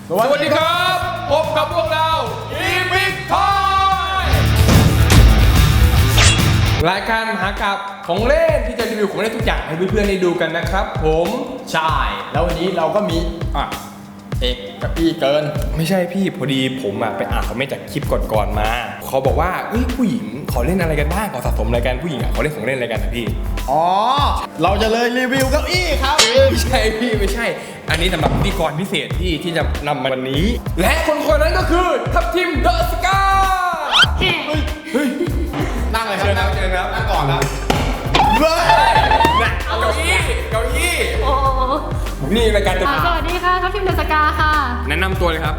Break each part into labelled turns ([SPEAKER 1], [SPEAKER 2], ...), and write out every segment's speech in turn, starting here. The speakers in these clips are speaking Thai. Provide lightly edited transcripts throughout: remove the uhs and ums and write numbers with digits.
[SPEAKER 1] สวัสดีครับพบกับพวกเราอีพิกทอยรายการมหากาพย์ของเล่นที่จะรีวิวของเล่นทุกอย่างให้เพื่อนๆได้ดูกันนะครับผม
[SPEAKER 2] ใช่แล้ววันนี้เราก็มีเอกกับพี่เกิน
[SPEAKER 1] ไม่ใช่พี่พอดีผมไปอ่านคอมเมนต์จากคลิปก่อนๆมาเขาบอกว่าผู้หญิงเขาเล่นอะไรกันบ้างเขาสะสมอะไรกันผู้หญิงเขาเล่นของเล่นอะไรกันนะพี่
[SPEAKER 2] อ๋อเราจะเลยรีวิวเก้าอี้ครับ
[SPEAKER 1] ไม่ใช่พี่ไม่ใช่อันนี้สำหรับพิธีกรพิเศษที่จะนำมาวันนี้และคนนั้นก็คือทัพทีมเดอะสกา
[SPEAKER 2] นั่งเลยครับ
[SPEAKER 1] เชิญครับ
[SPEAKER 2] นั่งก่อนนะ
[SPEAKER 1] เฮ้ยเก้าอี้นี่รายการจะ
[SPEAKER 3] สวัสดีค่ะทัพทีมเดอะสกาค่ะ
[SPEAKER 1] แนะนำตัวเลยครับ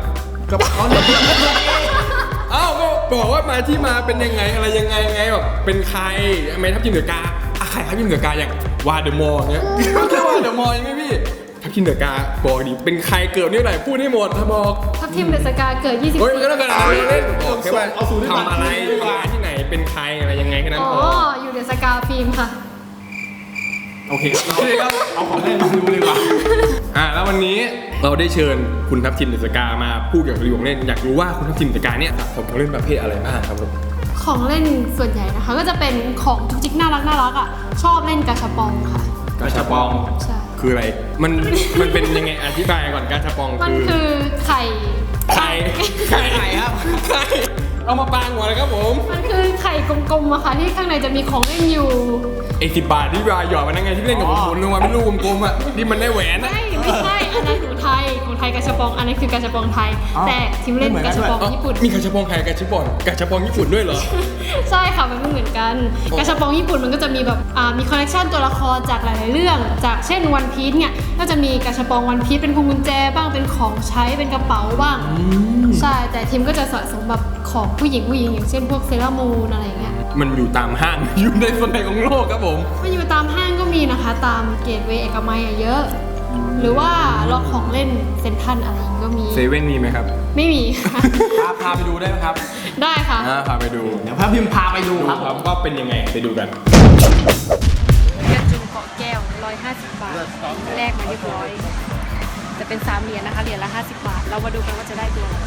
[SPEAKER 1] เอ้าก็บอกว่ามาที่มาเป็นยังไงอะไรยังไงแบบเป็นใครทำไมทัพทีมเดอะกาใครทัพทีมเดอะกาอย่างวาเดอะมอร์เงี้ยไม่ใช่วาเดอะมอร์ยังไงพี่ทัพทีมเดอะกาบอกดิเป็นใครเกิดนี่ไหนพูดให้หมดถ้าบอก
[SPEAKER 3] ทัพทีมเดอะสกาเกิด24
[SPEAKER 1] เฮ้ยมันก็ต้องการอะไรเล่นบอกแค่ว่าทำอะไรมาที่ไหนเป็นใครอะไรยังไงแค่นั้นพอ
[SPEAKER 3] อยู่เดอะสกาฟิล์มค่ะ
[SPEAKER 1] โอเคครับเอาของเล่นมาดูดีกว่าแล้ววันนี้เราได้เชิญคุณทัพทิมเดอะสกามาพูดเกี่ยวกับรีวิวของเล่นอยากรู้ว่าคุณทัพทิมเดอะสกาเนี่ยสะสมของเล่นประเภทอะไรบ้างครับผม
[SPEAKER 3] ของเล่นส่วนใหญ่นะคะก็จะเป็นของจุกจิกน่ารักอ่ะชอบเล่นกาชาปองค่ะ
[SPEAKER 1] กาชาปอง
[SPEAKER 3] ใช่
[SPEAKER 1] คืออะไรมันเป็นยังไงอธิบายก่อนกาชาปอง
[SPEAKER 3] มันคือไข่
[SPEAKER 1] ครับไข่เอามาปางหัวเลยครับผม
[SPEAKER 3] มันคือไข่กลมๆอะค่ะที่ข้างในจะมีของเล่นอยู่
[SPEAKER 1] 10 บาทที่วายหยอดมานั่งไงที่เล่นกับผมหมุนลงมาเป็นลูกกลมๆอ่ะที่มันได้แหวน
[SPEAKER 3] ไม่ใช่อันนั้นของไทยกาชาปองอันนี้คือกาชาปองไทยแต่ทีมเล่นกาชาปองญี่ปุ่น
[SPEAKER 1] มีกาชาปองไทยกาชาปองญี่ปุ่นด้วยเหรอ
[SPEAKER 3] ใช่ค่ะมันไม่เหมือนกันกาชาปองญี่ปุ่นมันก็จะมีแบบมีคอลเลคชันตัวละครจากหลายๆเรื่องจากเช่นวันพีซเนี่ยก็จะมีกาชาปองวันพีซเป็นพวงกุญแจบ้างเป็นของใช้เป็นกระเป๋าบ้างใช่แต่ทีมก็จะสะสมแบบของผู้หญิงอย่างเช่นพวกเซรามูนอะไรเงี้ย
[SPEAKER 1] มันอยู่ตามห้างอยู่ในส่วนไหนของโลกครับผม
[SPEAKER 3] มันอยู่ตามห้างก็มีนะคะตามเกตเวย์เอกมัยเยอะหรือว่าล็อกของเล่นเซ็นทรัลอะไรอย่างก็มี
[SPEAKER 1] เซเว่นมีไหมครับ
[SPEAKER 3] ไม่มี
[SPEAKER 2] พาไปดูได้ไหมครับ
[SPEAKER 3] ได้ค่ะ
[SPEAKER 1] พาไปดู
[SPEAKER 2] เดี๋ยวพาพิมพ์พาไปดูครับ
[SPEAKER 1] ว่าเป็นยังไงไปดูกัน
[SPEAKER 3] กระจุงเกาะแก้ว150 บาทแลกมาเรียบร้อยจะเป็น3 เหรียญนะคะเหรียญละ50 บาทเรามาดูกันว่าจะได้ตัวอะไร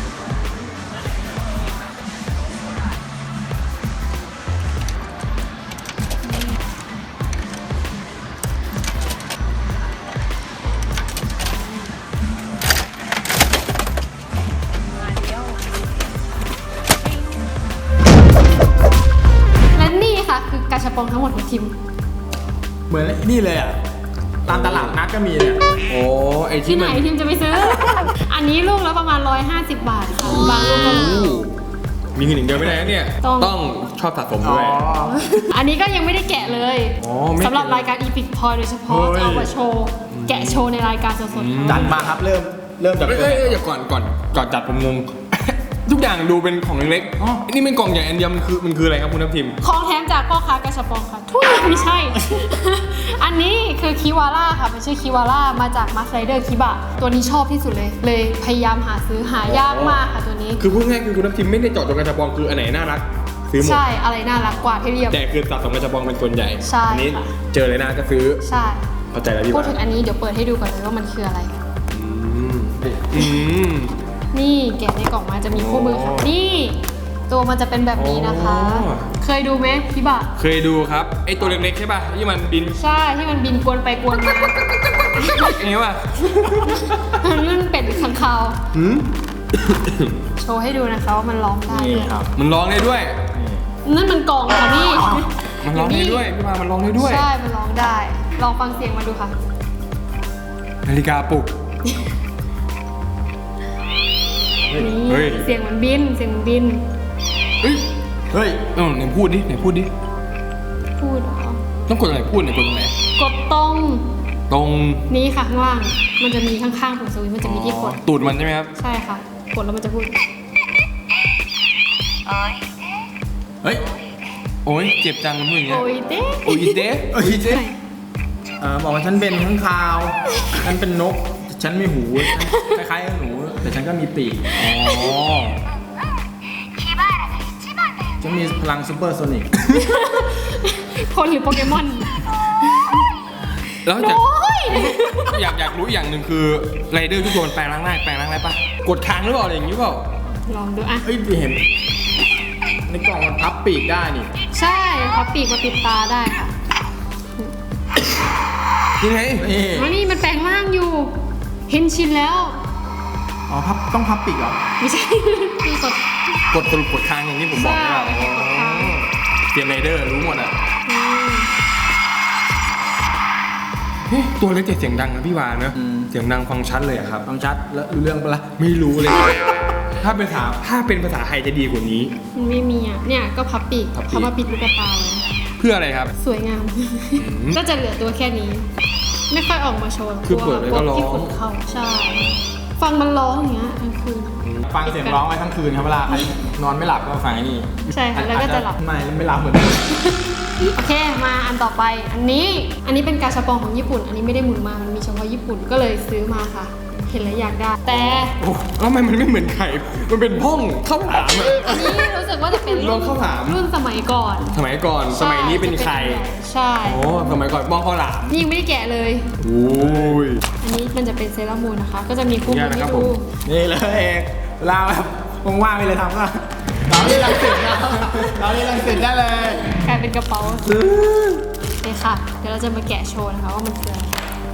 [SPEAKER 3] คือกาชาปองทั้งหมดของทีม
[SPEAKER 2] เหมือนนี่เลยอ่ะตามตลาดนัดก็มีเนี่ย
[SPEAKER 1] โอ้ไอ
[SPEAKER 3] ที่ไหนทีมจะไปซื้อ อันนี้ลูกละประมาณ150 บาทค่ะบางลูกก็
[SPEAKER 1] มีเงินอย่างเดียวไม่ได้เนี่ยต้องชอบสะสมด้วย
[SPEAKER 3] อันนี้ก็ยังไม่ได้แกะเลยสำหรับรายการ Epic Toy โดยเฉพาะจะเอามาโชว์แกะโชว์ในรายการสด
[SPEAKER 2] ๆจัดมาครับเริ่มจาก
[SPEAKER 1] อย่าก่อนจัดผมงงทุกอย่างดูเป็นของเล็กๆนี่เป็นกล่องใหญ่อันเดียวมันคืออะไรครับคุณทัพทิม
[SPEAKER 3] ของแถมจากพ่อค้ากาชาปองค่ะทุยไม่ใช่ อันนี้คือคิวาร่าค่ะมันชื่อคิวาร่ามาจากมาสไลเดอร์คิบะตัวนี้ชอบที่สุดเลยพยายามหาซื้อหายากมากค่ะตัวนี้
[SPEAKER 1] คือพูดง่ายคือคุณทัพทิมไม่ได้เจาะจงกาชาปองคืออันไหนน่ารักซื้อหมด
[SPEAKER 3] ใช่อะไรน่ารักกว่าที่เรียบ
[SPEAKER 1] แต่คือสะสมกาชาปองเป็นส่วนใหญ่
[SPEAKER 3] ใช่
[SPEAKER 1] อันนี้เจอเลยนะก็ซื้อ
[SPEAKER 3] ใช่
[SPEAKER 1] เข้าใจแล้วพี่
[SPEAKER 3] พูดถึงอันนี้เดี๋ยวเปิดให้ดูก่อนเลยว่ามันคืออะไรนี่แกะในกล่องมาจะมีคู่มือค่ะนี่ตัวมันจะเป็นแบบนี้นะคะเคยดูไหมพี่บะ
[SPEAKER 1] เคยดูครับไอตัวเล็กๆใช่ป่ะที่มันบิน
[SPEAKER 3] ใช่ที่มันบินกวนไปกวนมา
[SPEAKER 1] อย่างนี้ป่ะ
[SPEAKER 3] นั่นเป็ดข้างคาวโชว์ให้ดูนะคะว่ามันร้องได้
[SPEAKER 1] ครับมันร้องได้ด้วย
[SPEAKER 3] นั่นมันกล่องค่ะนี่
[SPEAKER 1] มันร้องได้ด้วยพี่มามันร้องได้ด้วย
[SPEAKER 3] ใช่มันร้องได้ลองฟังเสียงมาดูค่ะ
[SPEAKER 1] นาฬิกาปลุก
[SPEAKER 3] นี่เสียงมันบิน
[SPEAKER 1] เฮ้ยไหนพูดดิ
[SPEAKER 3] พูดเหรอ
[SPEAKER 1] ต้องกดอะไรพูดไหนกดตรงไหน
[SPEAKER 3] กดต
[SPEAKER 1] รง
[SPEAKER 3] นี้ค่ะข้างล่างมันจะมีข้างๆของสวิตช์มันจะมีที่กด
[SPEAKER 1] ตูดมันใช่ไหมครับ
[SPEAKER 3] ใช่ค่ะกดแล้วมันจะพูด
[SPEAKER 1] เฮ้ยโอ้ยเจ็บจังมันพูดอย่างเงี้ย
[SPEAKER 3] โอ้ยเ
[SPEAKER 1] ด้
[SPEAKER 2] บอกว่าฉันเป็นข้างคาวฉันเป็นนกฉันมีหูคล้ายๆหนูแต่ฉันก็มีปีกจะมีพลังซูเปอร์โซนิก
[SPEAKER 3] คนหรือโปเกมอน
[SPEAKER 1] แล้วจากอยากรู้อย่างหนึ่งคือไรเดอร์ทุกตัวมันแปลงร่างได้ปะกดค้างหรือเปล่าอะไรอย่างนี้เปล่า
[SPEAKER 3] ลองดูอ่ะ
[SPEAKER 2] เฮ้ยเห็นในกล่องมันพับปีกได้นี่
[SPEAKER 3] ใช่พับปีกมาปิดตาได้ค่ะ
[SPEAKER 1] ยังไง
[SPEAKER 2] นี่
[SPEAKER 3] อ๋อนี่มันแปลงร่างอยู่ เห็นชินแล้ว
[SPEAKER 2] อ๋อต้องพับปีกเหรอ
[SPEAKER 3] ไม่ใช่ คือกด
[SPEAKER 1] สรุปกดค้างอย่างที่ผมบอกใช่ป่ะ
[SPEAKER 3] ใช่กดค้าง
[SPEAKER 1] เตรียมไรเดอร์รู้หมดอ่ะ
[SPEAKER 3] อืม
[SPEAKER 1] เฮ้ยตัวเล็กแต่เสียงดังนะพี่วานนะเสียงดังฟังชัดเลยอะครับ
[SPEAKER 2] ฟังชัดแล้วรู้เรื่องปะล่ะ
[SPEAKER 1] ไม่รู้เลย ถ้าเป็นภาษาไทยจะดีกว่านี้
[SPEAKER 3] มันไม่มีอ่ะ เนี่ยก็พับปีก
[SPEAKER 1] พับปีก
[SPEAKER 3] เขามาปิดลูกตาไว้
[SPEAKER 1] เพื่ออะไรครับ
[SPEAKER 3] สวยงาม ก็จะเหลือตัวแค่นี้ ไม่ค่อยออกมาโชว์
[SPEAKER 1] คือเปิดไว้ก็ร้อง
[SPEAKER 3] ที่ขุดเขาใช่ ฟังมันร้องอย่างเงี้ยกลางคืน
[SPEAKER 2] ฟังเสียงร้องไว้ทั้งคืนครับเวลาใครนอนไม่หลับก็ฟังไอ้นี่
[SPEAKER 3] ใช่ค่ะแล้วก็จะหลับ
[SPEAKER 2] ไม่หลับเหมือนกัน
[SPEAKER 3] โอเคมาอันต่อไป อันนี้เป็นกาชาปองของญี่ปุ่น อันนี้ไม่ได้หมุนมามันมีเฉพาะญี่ปุ่นก็เลยซื้อมาค่ะ เห็นแล้วอยากได้ แต่
[SPEAKER 1] โอ้แล้วทำไมมันไม่เหมือนไข่ มันเป็นพ่องข้าวหลามอะ
[SPEAKER 3] อันนี้รู้สึกว่าจะเป็น
[SPEAKER 1] ลองข้าวหลาม
[SPEAKER 3] รุ่นสมัยก่อน
[SPEAKER 1] สมัยก่อน สมัยนี้เป็นไข่
[SPEAKER 3] ใช่
[SPEAKER 1] โอ้สมัยก่อนบ้องข้าวหลาม
[SPEAKER 3] นี่ยังไม่ได้แกะเลย
[SPEAKER 1] โอ้ย
[SPEAKER 3] อันนี้มันจะเป็นเซรามูนนะคะ ก็จะมีคู่มือ
[SPEAKER 1] ขออนุญาตนะครับ
[SPEAKER 3] ให้ดู
[SPEAKER 1] ผม
[SPEAKER 2] นี่เลยเอกเวลาแบบว่างๆไปเลยทำก็เราเล่นรังสิตนะเราเล่นรังสิตได้เลย
[SPEAKER 3] กลายเป็นกระเป๋าเลยค่ะ เดี๋ยวเราจะมาแกะโชว์นะคะว่ามันคืออะไร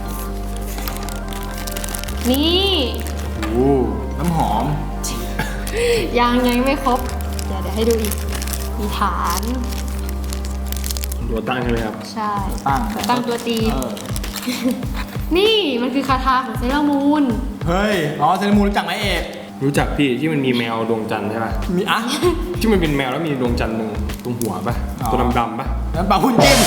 [SPEAKER 3] นี่
[SPEAKER 1] โอ้
[SPEAKER 2] น้ำหอม
[SPEAKER 3] ยังไม่ครบ เดี๋ยวให้ดูอีก มีฐาน
[SPEAKER 1] ตัวตั้งใช่ไหมครับ
[SPEAKER 3] ใช่
[SPEAKER 2] ตั้ง
[SPEAKER 3] ตัวตี
[SPEAKER 2] เออ
[SPEAKER 3] นี่มันคือคาถาของเซรามูน
[SPEAKER 2] เฮ้ยอ๋อเซนมูรู้จักไหมเอก
[SPEAKER 1] รู้จักพี่ที่มันมีแมวดวงจันทร์ใช่ป่ะ
[SPEAKER 2] มีอ่ะ
[SPEAKER 1] ที่มันเป็นแมวแล้วมีดวงจันทร์ตรงหัวป่ะ
[SPEAKER 2] อ๋อ
[SPEAKER 1] ตัวดำๆป่ะ
[SPEAKER 2] น้ำปลาหุ่นจิ้ม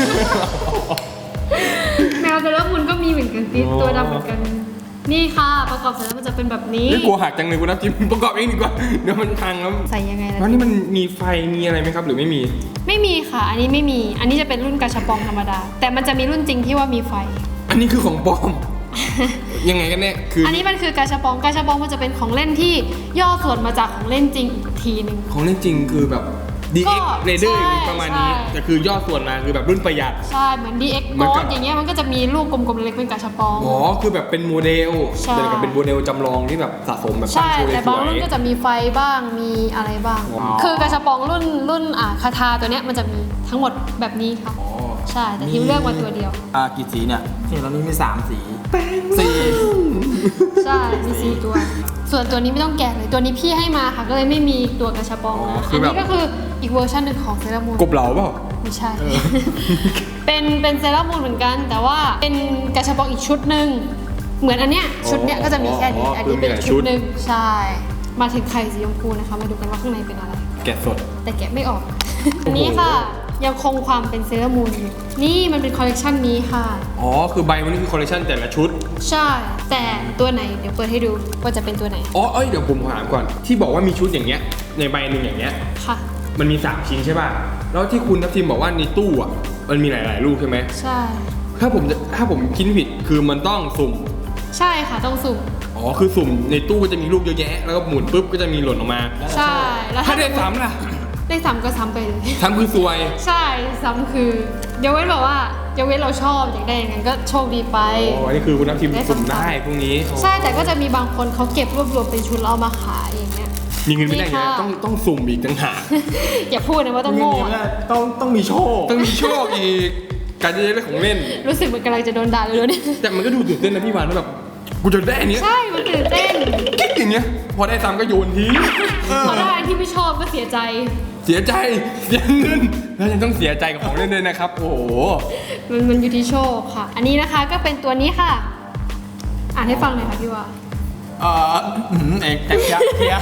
[SPEAKER 3] แมวเซรามูนก็มีเหมือนกันติด
[SPEAKER 1] อ๋อ
[SPEAKER 3] ตัวดำเหมือนกัน นี่ค่ะ ประกอบเสร็จแล้วมันจะเป็นแบบนี้
[SPEAKER 1] นี่กลัวหักจังเลยคุณนับจิ้มประกอบเองดีกว่า เดี๋ยวมันพังแล้ว
[SPEAKER 3] ใส่ยังไงล่ะ
[SPEAKER 1] แล้วนี่มันมีไฟมีอะไรไหมครับหรือไม่มี
[SPEAKER 3] ไม่มีค่ะ อันนี้ไม่มี อันนี้จะเป็นรุ่นกาชาปองธรรมดา แต่มันจะมีรุ่นจริงที่ว่ามีไฟ
[SPEAKER 1] อันนี้คือของปลอม ยังไงกันแน่คือ
[SPEAKER 3] อันนี้มันคือกาชาปอง กาชาปองมันจะเป็นของเล่นที่ย่อส่วนมาจากของเล่นจริงอีกทีหนึ่ง
[SPEAKER 1] ของเล่นจริงคือแบบ DX
[SPEAKER 3] ก็
[SPEAKER 1] Raider
[SPEAKER 3] ใช่
[SPEAKER 1] ประมาณนี้
[SPEAKER 3] ใช่
[SPEAKER 1] แต่คือย่อส่วนมาคือแบบรุ่นประหยัด
[SPEAKER 3] ใช่ เหมือน DX
[SPEAKER 1] เหมือนกับ
[SPEAKER 3] Boss อย่างเงี้ยมันก็จะมีลูกกลมๆเล็กๆเป็นกาชาปอง
[SPEAKER 1] อ๋อคือแบบเป็นโมเดล
[SPEAKER 3] ใช่
[SPEAKER 1] เดี๋ยวกับเป็นโมเดลจำลองที่แบบสะสมแบบตั้
[SPEAKER 3] ใช่
[SPEAKER 1] งโชว์
[SPEAKER 3] แต่
[SPEAKER 1] ส
[SPEAKER 3] บาง
[SPEAKER 1] วย
[SPEAKER 3] รุ่นก็จะมีไฟบ้าง มีอะไรบ้าง
[SPEAKER 1] อ๋อ
[SPEAKER 3] คือกาชาปองรุ่นคาทาตัวเนี้ยมันจะมีทั้งหมดแบบนี้ค่ะ
[SPEAKER 1] อ๋อ
[SPEAKER 3] ใช่ แต่ทิมเลือกมาตัวเดียว
[SPEAKER 2] กี่สีเนี่ยที่ตอนนี้มี3สีสี่
[SPEAKER 3] ใช่ มี4ตัว ส่วนตัวนี้ไม่ต้องแกะเลย ตัวนี้พี่ให้มาค่ะ ก็เลยไม่มีตัวกระชับปองนะ อันนี้ก็คืออีกเวอร์ชันหนึ่งของเซรามูน
[SPEAKER 1] กบเหลาเปล่า
[SPEAKER 3] ไม่ใช่ เป็นเซรามูนเหมือนกัน แต่ว่าเป็นกระชับปองอีกชุดหนึ่งเหมือนอันเนี้ยชุดเนี้ยก็จะมีแค่นี้ อันนี้เป็นชุดหนึ่งใช่ มาถึงไข่สีชมพูนะคะ มาดูกันว่าข้างในเป็นอะไร
[SPEAKER 1] แกะสด
[SPEAKER 3] แต่แกะไม่ออก อันนี้ค่ะ ยังคงความเป็นเซรามูนอยู่ นี่มันเป็นคอลเลกชันนี้ค่ะ
[SPEAKER 1] อ๋อคือใบมันนี่คือคอลเลคชันแต่ละชุด
[SPEAKER 3] ใช่ แต่ตัวไหนเดี๋ยวเปิดให้ดูว่าจะเป็นตัวไหน
[SPEAKER 1] อ๋อเดี๋ยวผมถามก่อน ที่บอกว่ามีชุดอย่างเงี้ย ในใบหนึ่งอย่างเงี้ย
[SPEAKER 3] ค่ะ
[SPEAKER 1] มันมี3ชิ้นใช่ป่ะ แล้วที่คุณทัพทีมบอกว่าในตู้อ่ะ มันมีหลายๆลูกใช่ไหม
[SPEAKER 3] ใช่
[SPEAKER 1] ถ้าผมคิดไม่ผิด คือมันต้องสุ่ม
[SPEAKER 3] ใช่ค่ะต้องสุ่ม
[SPEAKER 1] อ๋อ คือสุ่มในตู้ก็จะมีลูกเยอะแยะ แล้วก็หมุนปุ๊บก็จะมีหล่นออกมา
[SPEAKER 3] ใช่แล้ว
[SPEAKER 1] ถ้าได้ซ้ำล่ะ
[SPEAKER 3] ได้ซ้ำก็ซ้ำไปเลย
[SPEAKER 1] ซ้ำคือซวย
[SPEAKER 3] ใช่ซ้ำคือยกเว้นแบบว่ายกเว้นเราชอบอยากได้อย่างนั้นก็โชคดีไป
[SPEAKER 1] อ๋อ นี่คือคุณทัพทีม
[SPEAKER 3] ได้
[SPEAKER 1] สุ่ม
[SPEAKER 3] ซ้ำๆ
[SPEAKER 1] ได้พวกนี้
[SPEAKER 3] ใช่แต่ก็จะมีบางคนเขาเก็บรวบรวมเป็นชุดแล้วเอามาขายอย่างเงี้ย
[SPEAKER 1] มีเงินไม่ได้ไง
[SPEAKER 3] นี่ค่ะ
[SPEAKER 1] ต้องสุ่มอีกต่างหาก
[SPEAKER 3] อย่าพูดนะว่าต้อง
[SPEAKER 2] มี
[SPEAKER 3] โง่
[SPEAKER 2] เนี่ยต้องมีโชค
[SPEAKER 1] ต้องมีโชคอีก การจะได้ของเล่น
[SPEAKER 3] รู้สึกเหมือนกำลังจะโดนด่าเลยเนี่ย
[SPEAKER 1] แต่มันก็ดูตื่นเต้นนะพี่วานว่าแบบ กูจะได้อันเนี้ย
[SPEAKER 3] ใช่มันตื่นเต้น
[SPEAKER 1] กิ๊กอย่างเงี้ย พอได้ซ้ำก็โยนทิ้ง
[SPEAKER 3] พอได้อันที่ไม่ชอบก็เสียใจ
[SPEAKER 1] เสียใจเสียเงินแล้วยังต้องเสียใจกับของเล่นด้วยนะครับ โอ้โห
[SPEAKER 3] มันอยู่ที่โชคค่ะ อันนี้นะคะก็เป็นตัวนี้ค่ะ อ่านให้ฟังหน่อยค่ะพี่ว่า
[SPEAKER 2] เอกแต่เคลียร์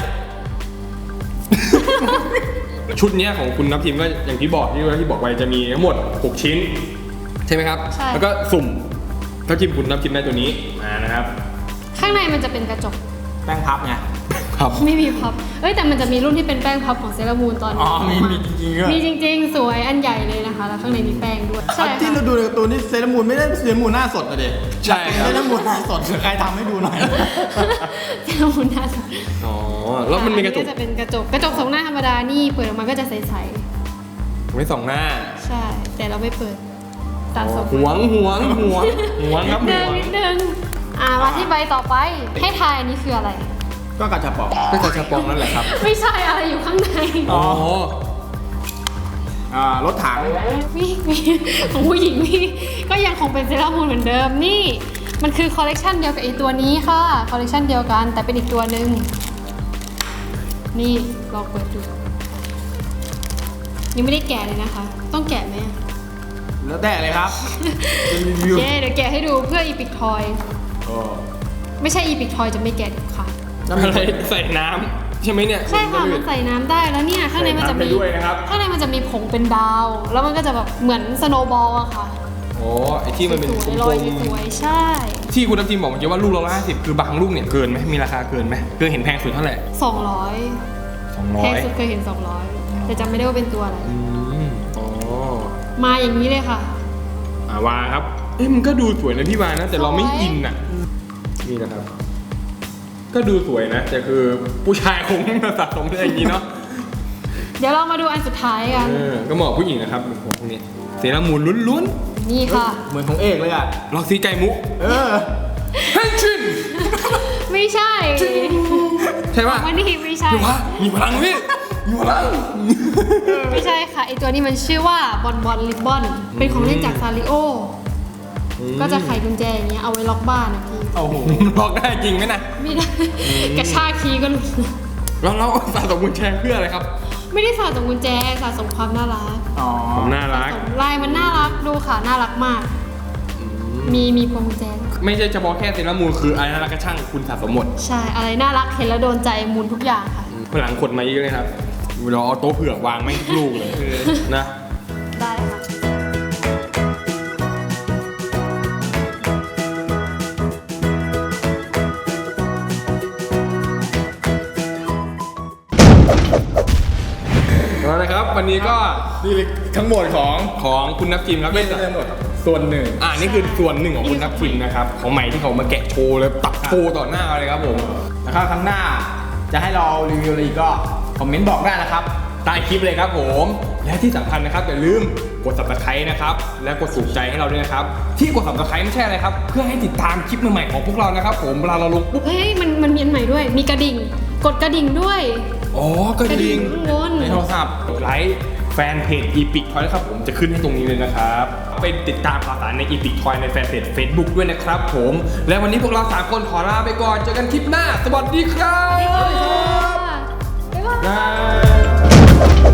[SPEAKER 1] ชุดเนี้ยของคุณนับทีมก็อย่างที่บอกที่บอกไปจะมีทั้งหมด 6 ชิ้น ใช่ไหมครับ
[SPEAKER 3] ใช่
[SPEAKER 1] แล้วก็สุ่มถ้าทีมคุณนับทีมได้ตัวนี้มานะครับ
[SPEAKER 3] ข้างในมันจะเป็นกระจก
[SPEAKER 2] แป้งพับไง
[SPEAKER 1] ครับ
[SPEAKER 3] ไม่มีพับ เอ้ยแต่มันจะมีรุ่นที่เป็นแป้งพับของเซรามูนตอน
[SPEAKER 2] อ๋
[SPEAKER 3] นี้
[SPEAKER 2] อมีจริงๆด้วย
[SPEAKER 3] มีจริงๆ สวยอันใหญ่เลยนะคะ แล้วข้างในมีแป้งด้วย ใช่
[SPEAKER 2] ที่
[SPEAKER 3] ค่ะ
[SPEAKER 2] เราดูในการ์ตูนนี่เซเลอรามูนไม่ได้เซเลอรามูนหน้าสดอะเด็
[SPEAKER 1] ใช่ครับ
[SPEAKER 2] เซเลอรามูนหน้าสดใครทำให้ดูหน่อย
[SPEAKER 3] เซรามูนน่าจะ
[SPEAKER 1] อ๋อ แล้วมันมีกระจก
[SPEAKER 3] จะเป็นกระจกสองหน้าธรรมดา นี่เปิดออกมาก็จะใส
[SPEAKER 1] ไว้สองหน้า
[SPEAKER 3] ๆ ใช่ แต่เราไม่เปิดสะสม
[SPEAKER 1] หวงครับห
[SPEAKER 3] เดิ
[SPEAKER 1] วน ง
[SPEAKER 3] นิดนึงมาที่ใบต่อไปให้ทายอันนี้คืออะไร
[SPEAKER 2] ก็กระชับปอง
[SPEAKER 1] ก็กระชับปองนั่นแหละครับ
[SPEAKER 3] ไม่ใช่อะไรอยู่ข้างใน
[SPEAKER 1] อ๋อ
[SPEAKER 2] รถถัง
[SPEAKER 3] มีของผู้หญิงมีก็ยังคงเป็นเซรามูนเหมือนเดิมนี่มันคือคอลเลกชันเดียวกับไอตัวนี้ค่ะคอลเลกชันเดียวกันแต่เป็นอีกตัวหนึ่งนี่ลองเปิดดูยังไม่ได้แกะเลยนะคะ ต้องแกะไหม
[SPEAKER 2] แล้วแต่เลยครับเป็นรีวิว
[SPEAKER 3] เย้เดี๋ยวแกะให้ดูเพื่ออีพิกทอย
[SPEAKER 2] โอ้
[SPEAKER 3] ไม่ใช่อีพิกทอยจะไม่แกะเด็ดขาด
[SPEAKER 1] อะไรใส่น้ำใช่ไหมเนี่ย
[SPEAKER 3] ใช่ค่ะมันใส่น้ำได้แล้วเนี่ยข้างในมันจะมี
[SPEAKER 1] ใส่น้ำไปด้วยนะครับ
[SPEAKER 3] ข้างในมันจะมีผงเป็นดาว แล้วมันก็จะแบบเหมือนสโนว์บอลอะค่ะ
[SPEAKER 1] อ๋อไอที่มันเป็น
[SPEAKER 3] ส
[SPEAKER 1] ก
[SPEAKER 3] วยๆ
[SPEAKER 1] ล
[SPEAKER 3] ลอย
[SPEAKER 1] ม
[SPEAKER 3] สวยๆใช่
[SPEAKER 1] ๆที่คุณทัพทีมบอกเมื่อกี้ว่าลูกละ50คือบางลูกเนี่ยเกินไหมมีราคาเกินไหมเกินเห็นแพงสุดเท่าไหร่
[SPEAKER 3] 200แพงสุด
[SPEAKER 1] 200
[SPEAKER 3] เคยเห็น200แต่จำไม่ได้ว่าเป็นตัวอะไร
[SPEAKER 1] อ๋อ
[SPEAKER 3] มาอย่างนี้เลยค่ะ
[SPEAKER 1] วาครับเอ้ยมันก็ดูสวยนะพี่วานะแต่เราไม่
[SPEAKER 3] สวย
[SPEAKER 1] อินอ่ะนี่นะครับ ก็ดูสวยนะแต่คือผู้ชายคงไม่มาสะสมได้อย่างนี้เนาะ
[SPEAKER 3] เดี๋ยวเรามาดูอันสุดท้ายกัน
[SPEAKER 1] ก็เหมาะผู้หญิงนะครับพวกนี้เซรามูนล้วน
[SPEAKER 3] นี่ค่ะ
[SPEAKER 2] เหมือนของเอกเลยอ่ะ
[SPEAKER 1] ๆล็อกซีไก่มุก
[SPEAKER 2] เออ
[SPEAKER 1] เฮ้ยชิน
[SPEAKER 3] ไม่ใช่
[SPEAKER 1] ใช่ป่ะ
[SPEAKER 3] วันนี้ไม่ใช่
[SPEAKER 1] พี่วามีพลังพี่มีพลัง
[SPEAKER 3] ไม่ใช่ค่ะไอตัวนี้มันชื่อว่าบอลบอลลิบบอนเป็นของเล่นจากซาริโอก็จะไขกุญแจอย่างเงี้ยเอาไว้ล็อกบ้านนะพี่
[SPEAKER 2] โอ้โห
[SPEAKER 1] ล็อกได้จริงไหมนะ
[SPEAKER 3] ไม่ได้กระชากคีย์ก็หลุด
[SPEAKER 1] เราสะสมกุญแจเพื่ออะไรครับ
[SPEAKER 3] ไม่ได้สะสมกุญแจสะสมความน่ารัก
[SPEAKER 2] อ๋อ
[SPEAKER 1] ผมน่ารัก
[SPEAKER 3] สะสมลายมันน่ารักดูค่ะน่ารักมาก มีพวงกุญแจ
[SPEAKER 1] ไม่ใช่เฉพาะแค่เซรามูนคืออะไรน่ารักก็ช่างคุณสะสมหมด
[SPEAKER 3] ใช่อะไรน่ารักเห็นแล้วโดนใจมูลทุกอย่างค่ะ
[SPEAKER 1] พลังขดมาเยอะเลยครับเราเอาโต๊ะเผือกวางไม่งทุกลูกเลยนะ
[SPEAKER 3] ได้ค่ะ
[SPEAKER 1] แล้วนะครับวันนี้ก็
[SPEAKER 2] นี่เลยทั้งหมดของ
[SPEAKER 1] ของคุณนับจิมครับ
[SPEAKER 2] ไม่ใช่ทั้งหมดส่วนหนึ่ง
[SPEAKER 1] นี่คือส่วนหนึ่งของคุณนับจิมนะครับของใหม่ที่เขามาแกะโชว์เลยตัดโชว์ต่อหน้าเลยครับผม
[SPEAKER 2] นะครับครั้งหน้าจะให้เรารีวิวอะไรอีกก็คอมเมนต์บอกได้นะครับ
[SPEAKER 1] ใต้คลิปเลยครับผมและที่สำคัญนะครับอย่าลืมกด subscribe นะครับและกดถูกใจให้เราด้วยนะครับที่กด subscribe ไม่ใช่อะไรครับเพื่อให้ติดตามคลิปใหม่ๆของพวกเรานะครับผมเวลาเราลงปุ๊บ
[SPEAKER 3] เฮ้ยมันมีอันใหม่ด้วย มีกระดิ่ง กดกระดิ่งด้วย
[SPEAKER 1] อ๋อกระดิ่ง
[SPEAKER 3] ข้างบน
[SPEAKER 1] ในโทรศัพท์ไลค์แฟนเพจ Epic Toy นะครับผมจะขึ้นให้ตรงนี้เลยนะครับไปติดตามข่าวสารใน Epic Toy ในแฟนเพจ Facebook ด้วยนะครับผมและวันนี้พวกเรา3คนขอลาไปก่อนเจอกันคลิปหน้าสวัสดีครับ
[SPEAKER 3] บ๊ายบาย
[SPEAKER 1] บาย